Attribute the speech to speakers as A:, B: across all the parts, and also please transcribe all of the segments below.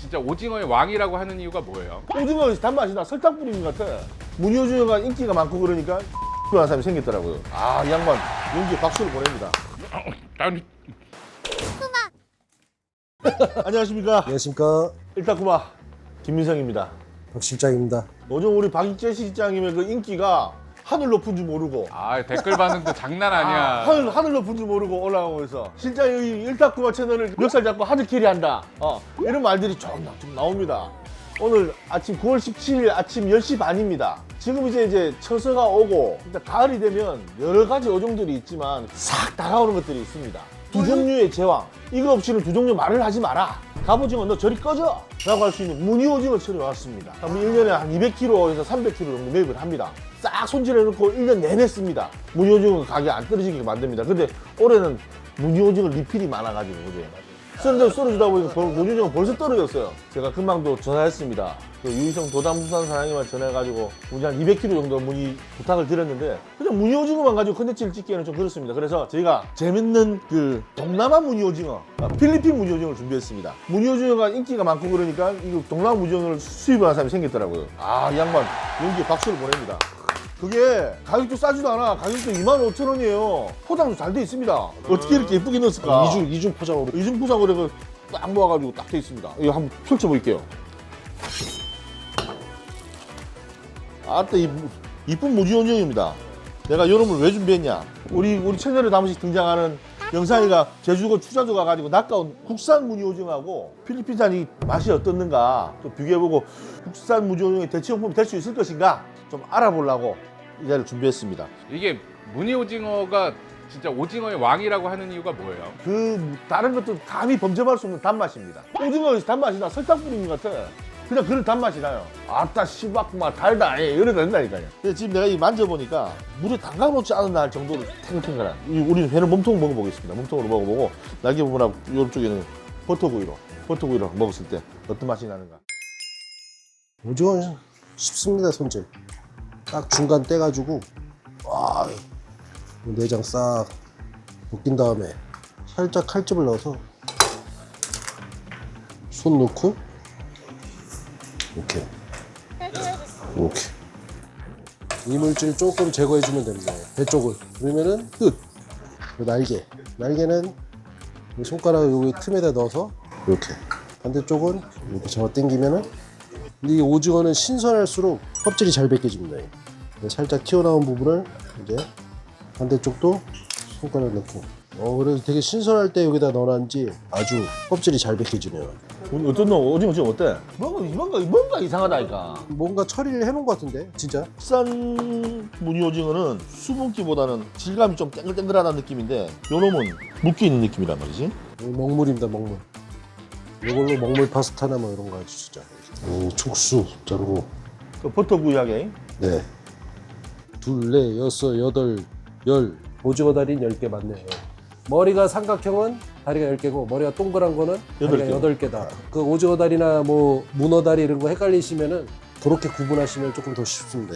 A: 진짜 오징어의 왕이라고 하는 이유가 뭐예요?
B: 오징어 단맛이 나 설탕 뿌린 것 같아. 무늬 오징어가 인기가 많고 그러니까 하는 사람이 생겼더라고요. 아, 이 양반 용기에 박수를 보냅니다. 안녕하십니까.
C: 안녕하십니까.
B: 일타쿠마 김민성입니다.
C: 박 실장입니다.
B: 요즘 우리 박익재 실장님의 그 인기가 하늘 높은 줄 모르고
A: 아, 댓글 반응도 장난 아니야.
B: 하늘 높은 줄 모르고 올라가고 있어. 실장이 일타쿠마 채널을 멱살 잡고 하드캐리 한다. 이런 말들이 좀 나옵니다. 오늘 아침 9월 17일 아침 10시 반입니다. 지금 이제 처서가 오고 일단 가을이 되면 여러 가지 어종들이 있지만 싹 다가오는 것들이 있습니다. 두 종류의 제왕. 이거 없이는 두 종류 말을 하지 마라. 갑오징어 너 저리 꺼져! 라고 할 수 있는 무늬오징어철이 왔습니다. 1년에 한 200kg에서 300kg 정도 매입을 합니다. 싹 손질해놓고 1년 내내 씁니다. 무늬오징어 가격이 안 떨어지게 만듭니다. 근데 올해는 무늬오징어 리필이 많아가지고 그죠? 쓰는데 썰어주다 보니까 무늬오징어 벌써 떨어졌어요. 제가 금방 또 전화했습니다. 그 유희성 도담수산 사장님한테 전화해가지고 무늬 한 200kg 정도 무늬 부탁을 드렸는데 그냥 무늬오징어만 가지고 컨텐츠를 찍기에는 좀 그렇습니다. 그래서 저희가 재밌는 그 동남아 무늬오징어, 필리핀 무늬오징어를 준비했습니다. 무늬오징어가 인기가 많고 그러니까 이 동남아 무늬오징어를 수입을 하는 사람이 생겼더라고요. 아, 이 양반 용기에 박수를 보냅니다. 그게 가격도 싸지도 않아. 가격도 25,000원이에요. 포장도 잘 돼 있습니다. 어떻게 이렇게 예쁘게 넣었을까?
C: 이중 포장으로.
B: 이중 포장으로 딱 모아가지고 딱 돼 있습니다. 이거 한번 펼쳐볼게요. 아따, 이쁜 무지온형입니다. 내가 요놈을 왜 준비했냐? 우리 채널에 한 번씩 등장하는 영상이가 제주도 추자도 가가지고 낚아온 국산 무늬오징어하고 필리핀산이 맛이 어떻는가 좀 비교해보고 국산 무늬오징어의 대체용품이 될 수 있을 것인가 좀 알아보려고 이 자리를 준비했습니다.
A: 이게 무늬 오징어가 진짜 오징어의 왕이라고 하는 이유가 뭐예요?
B: 그 다른 것도 감히 범접할 수 없는 단맛입니다. 오징어에서 단맛이 나 설탕 뿌린 것 같아. 그냥 그런 단맛이 나요. 아따 씨박마 달다 이래도 된다니까요. 근데 지금 내가 이 만져보니까 물에 담가놓지 않은 날 정도로 탱탱한 우리 회는 몸통 먹어보겠습니다. 몸통으로 먹어보고 날개 부분하고 이쪽에는 버터구이로 먹었을 때 어떤 맛이 나는가.
C: 오징어 쉽습니다, 손질. 딱 중간 떼가지고 와, 내장 싹 벗긴 다음에 살짝 칼집을 넣어서 손 넣고 이렇게 이물질 조금 제거해주면 됩니다. 배 쪽을. 그러면은 끝. 날개는 이 손가락 여기 틈에다 넣어서 이렇게. 반대쪽은 이렇게 잡아 당기면은 이 오징어는 신선할수록 껍질이 잘 벗겨집니다. 살짝 튀어나온 부분을 이제 반대쪽도 손가락 넣고. 그래서 되게 신선할 때 여기다 넣어놨는지 아주 껍질이 잘 벗겨지네요.
B: 어떤 놈 오징어 지금 어때? 뭔가 이상하다니까.
C: 뭔가 처리를 해놓은 것 같은데 진짜.
B: 국산 무늬 오징어는 수분기보다는 질감이 좀 땡글땡글하다는 느낌인데 요 놈은 묶여있는 느낌이란 말이지.
C: 먹물입니다, 먹물. 이걸로 먹물 파스타나 뭐 이런 거 하죠, 진짜. 촉수 자르고.
B: 그 버터구이하게.
C: 네. 둘, 넷, 여섯, 여덟, 열. 오징어 다리는 10개 맞네요. 머리가 삼각형은 다리가 10개고 머리가 동그란 거는 다리가 8개다. 그 오징어 다리나 뭐 문어 다리 이런 거 헷갈리시면은 그렇게 구분하시면 조금 더 쉽습니다.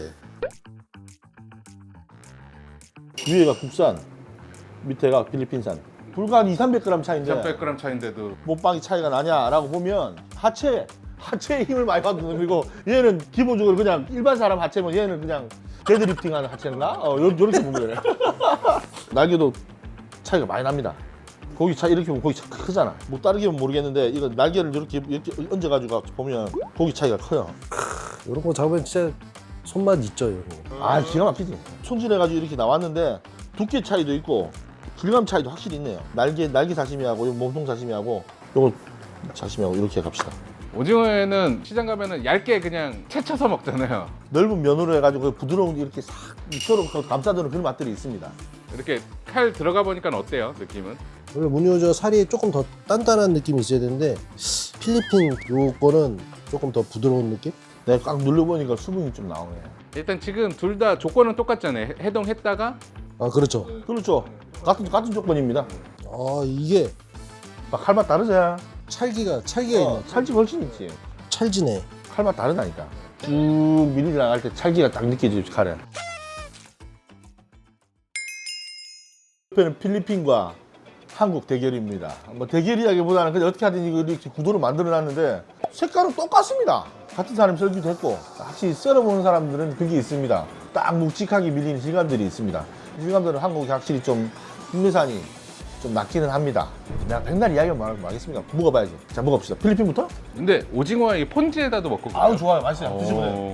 B: 위에가 국산, 밑에가 필리핀산. 불과 한 200~300g 차인데
A: 300g 차인데도
B: 못방이 차이가 나냐라고 보면 하체에 힘을 많이 받는 그리고 얘는 기본적으로 그냥 일반 사람 하체면 얘는 그냥 데드리프팅하는 하체인가? 요렇게 보면 그래. 날개도 차이가 많이 납니다. 고기 차 이렇게 보면 고기 차 크잖아. 뭐 다르게 보면 모르겠는데 이거 날개를 이렇게 얹어가지고 보면 고기 차이가 커요.
C: 이런 거 잡으면 진짜 손맛 있죠, 이런 거.
B: 아, 기가 막히지. 손질해가지고 이렇게 나왔는데 두께 차이도 있고 질감 차이도 확실히 있네요. 날개 사시미하고 요 몸통 사시미하고 요거 사시미하고 이렇게 갑시다.
A: 오징어에는 시장 가면은 얇게 그냥 채쳐서 먹잖아요.
B: 넓은 면으로 해가지고 부드러운 이렇게 싹 서로 감싸주는 그런 맛들이 있습니다.
A: 이렇게 칼 들어가 보니까 어때요, 느낌은?
C: 원래 무늬오징어 살이 조금 더 단단한 느낌이 있어야 되는데 필리핀 요거는 조금 더 부드러운 느낌?
B: 내가 꽉 눌러보니까 수분이 좀 나오네.
A: 일단 지금 둘 다 조건은 똑같잖아요. 해동했다가
C: 아, 그렇죠.
B: 그렇죠. 같은 조건입니다.
C: 이게
B: 칼맛 다르지?
C: 찰기가 있네.
B: 찰지 훨씬 있지.
C: 찰지네.
B: 칼맛 다르다니까. 쭉 밀리 나갈 때 찰기가 딱 느껴지지, 칼에. 옆에는 필리핀과 한국 대결입니다. 뭐 대결이라기보다는 그냥 어떻게 하든 이렇게 구도를 만들어놨는데 색깔은 똑같습니다. 같은 사람이 썰기도 했고 확실히 썰어보는 사람들은 그게 있습니다. 딱 묵직하게 밀리는 질감들이 있습니다. 이 질감들은 한국이 확실히 좀 국내산이 좀 낫기는 합니다. 내가 백날 이야기만 말하겠습니다. 먹어봐야지. 자, 먹어봅시다. 필리핀부터?
A: 근데 오징어와 이 폰지에다도 먹고 그래요?
B: 아우, 좋아요. 맛있어요. 드셔보세요.
A: 어,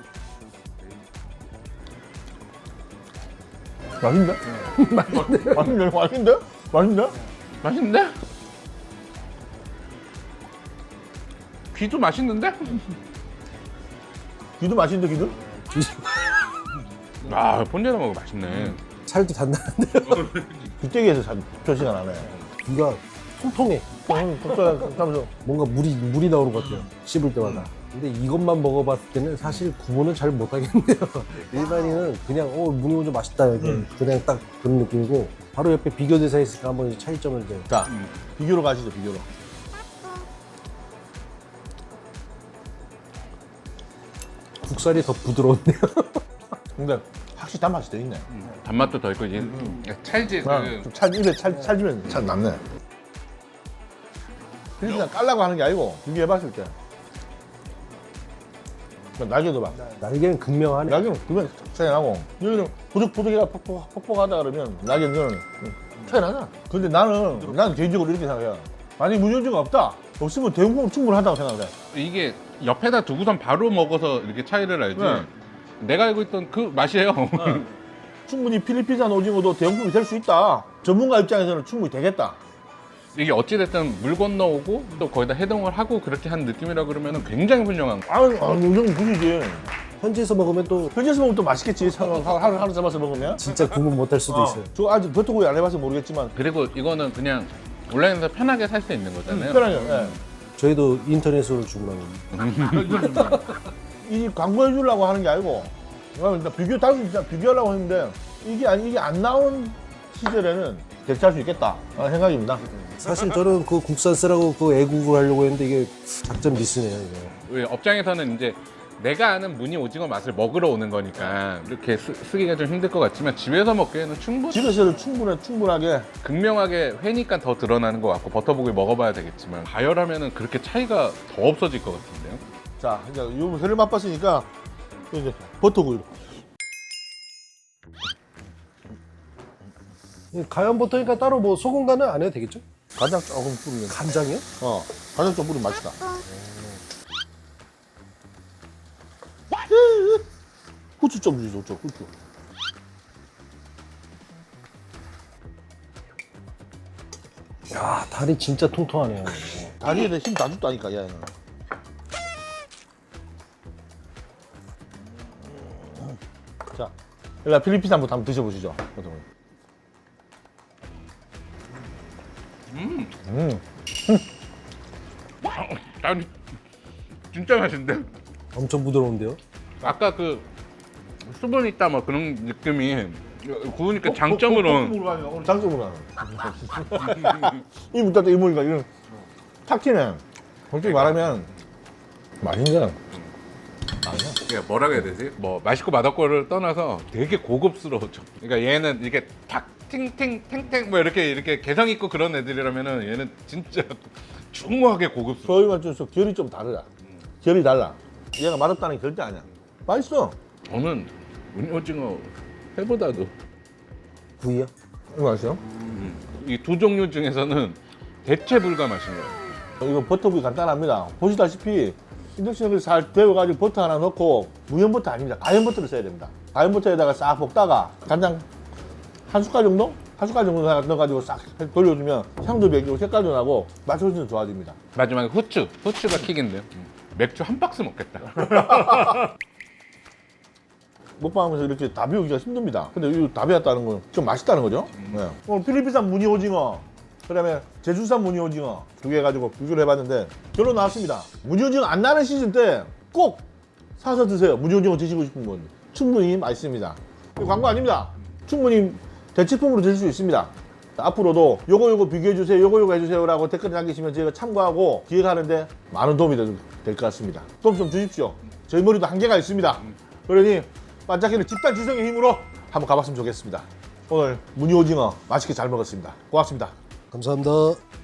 B: 맛있는데? 맛있는데? 맛있는데? 맛있는데?
A: 맛있는데? 귀도 맛있는데?
B: 귀도 맛있는데, 귀도?
A: 아, 폰지에다 먹으면 맛있네.
C: 살도 단단한데요.
B: 귀때기에서 잘 표시가 나네.
C: 귀가 통통해.
B: 하면서
C: 뭔가 물이 나오는 것 같아요. 씹을 때마다. 근데 이것만 먹어봤을 때는 사실 구분은 잘 못하겠네요. 일반인은 그냥 무늬 오징어 맛있다 이렇게 그냥 딱 그런 느낌이고 바로 옆에 비교 대사 있으니까 한번 이 차이점을 이제.
B: 자, 비교로 가시죠, 비교로.
C: 국살이 더 부드러운데요.
B: 근데 확실히 단맛이 더 있네.
A: 단맛도 더 있고 이제 찰지 그
B: 좀 입에 찰지면 잘 남네. 그냥 깔라고 하는 게 아니고 비교해봤을 때 날개도 봐.
C: 날개는 극명하네.
B: 날개는 그러면 차이 나고 여기는 보석보석이라 퍽퍽하다 그러면 날개는 차이 나잖아. 근데 나는 개인적으로 이렇게 생각해요. 만약에 무전지가 없다. 없으면 대용품은 충분하다고 생각해.
A: 이게 옆에다 두고선 바로 먹어서 이렇게 차이를 알지.
B: 네.
A: 내가 알고 있던 그 맛이에요.
B: 충분히 필리핀산 오징어도 대용품이 될 수 있다. 전문가 입장에서는 충분히 되겠다.
A: 이게 어찌됐든 물 건너오고 또 거기다 해동을 하고 그렇게 한 느낌이라 그러면 굉장히 훌륭한 거.
B: 요즘 굳이지.
C: 현지에서 먹으면 또
B: 현지에서 먹으면 또 맛있겠지. 하루 잡아서 먹으면.
C: 진짜 구분 못할 수도 있어요.
B: 저 아직 버터구이 안 해봐서 모르겠지만
A: 그리고 이거는 그냥 온라인에서 편하게 살 수 있는 거잖아요.
B: 편하게. 예.
C: 저희도 인터넷으로 주문하고.
B: 이 광고해 주려고 하는 게 아니고 일단 비교하려고 했는데 이게 안 나온 시절에는 대체할 수 있겠다 라는 생각입니다.
C: 사실 저는 그 국산 쓰라고 그 애국을 하려고 했는데 이게 작전 미스네요 이거.
A: 왜 업장에서는 이제 내가 아는 무늬 오징어 맛을 먹으러 오는 거니까 이렇게 쓰기가 좀 힘들 것 같지만 집에서 먹기에는
B: 집에서는 충분하게
A: 극명하게 회니까 더 드러나는 것 같고 버터보기 먹어봐야 되겠지만 가열하면은 그렇게 차이가 더 없어질 것 같은데요.
B: 자 이제 요 회를 맛봤으니까 이제 버터구이로
C: 가연 버터니까 따로 뭐 소금 간은 안 해도 되겠죠?
B: 간장 조금 뿌리면
C: 간장이요?
B: 간장 좀 뿌리면 맛있다. 후추 좀 주세요. 후추.
C: 야 다리 진짜 통통하네요.
B: 다리에 힘 다 줬다니까 얘는. 자, 일단 필리핀산부터 한번 드셔보시죠.
A: 아니 진짜 맛있는데?
C: 엄청 부드러운데요?
A: 아까 그 수분 있다 뭐 그런 느낌이 구우니까 장점으로
B: 오늘 장점으로 하는. 이 문따뜻 이물이가 이런 탁 튀네. 솔직히 말하면 맛있네. 아니야.
A: 이게 뭐라고 해야 되지? 뭐 맛있고 맛없고를 떠나서 되게 고급스러워져. 그러니까 얘는 이게 탁 탱탱 뭐 이렇게 개성 있고 그런 애들이라면은 얘는 진짜 중후하게 고급스러워.
B: 저희 맛집에서 결이 좀 다르다. 결이 달라. 얘가 맛없다는 게 절대 아니야. 맛있어.
A: 저는 오징어 회보다도
C: 구이요?
B: 이거 맛있어요?
A: 이 두 종류 중에서는 대체 불가 맛인 거예요.
B: 이거 버터구이 간단합니다. 보시다시피 인덕션을 잘 데워가지고 버터 하나 넣고 무염 버터 아닙니다. 가염 버터를 써야 됩니다. 가염 버터에다가 싹 볶다가 간장 한 숟갈 정도? 한 숟갈 정도 넣어가지고 싹 돌려주면 향도 배기고 색깔도 나고 맛이 훨씬 좋아집니다.
A: 마지막에 후추가 킥인데요. 맥주 한 박스 먹겠다.
B: 먹방하면서 이렇게 다 비우기가 힘듭니다. 근데 이 다 비웠다는 건 좀 맛있다는 거죠. 네. 오늘 필리핀산 무늬 오징어, 그다음에 제주산 무늬 오징어 두 개 가지고 비교를 해봤는데 결론 나왔습니다. 무늬 오징어 안 나는 시즌 때 꼭 사서 드세요. 무늬 오징어 드시고 싶은 분 충분히 맛있습니다. 이거 광고 아닙니다. 충분히 대체품으로 드실 수 있습니다. 앞으로도 요거 비교해주세요, 요거 해주세요라고 댓글 남기시면 저희가 참고하고 기획하는데 많은 도움이 될 것 같습니다. 도움 좀 주십시오. 저희 머리도 한계가 있습니다. 그러니 반짝이는 집단 지성의 힘으로 한번 가봤으면 좋겠습니다. 오늘 무늬 오징어 맛있게 잘 먹었습니다. 고맙습니다.
C: 감사합니다.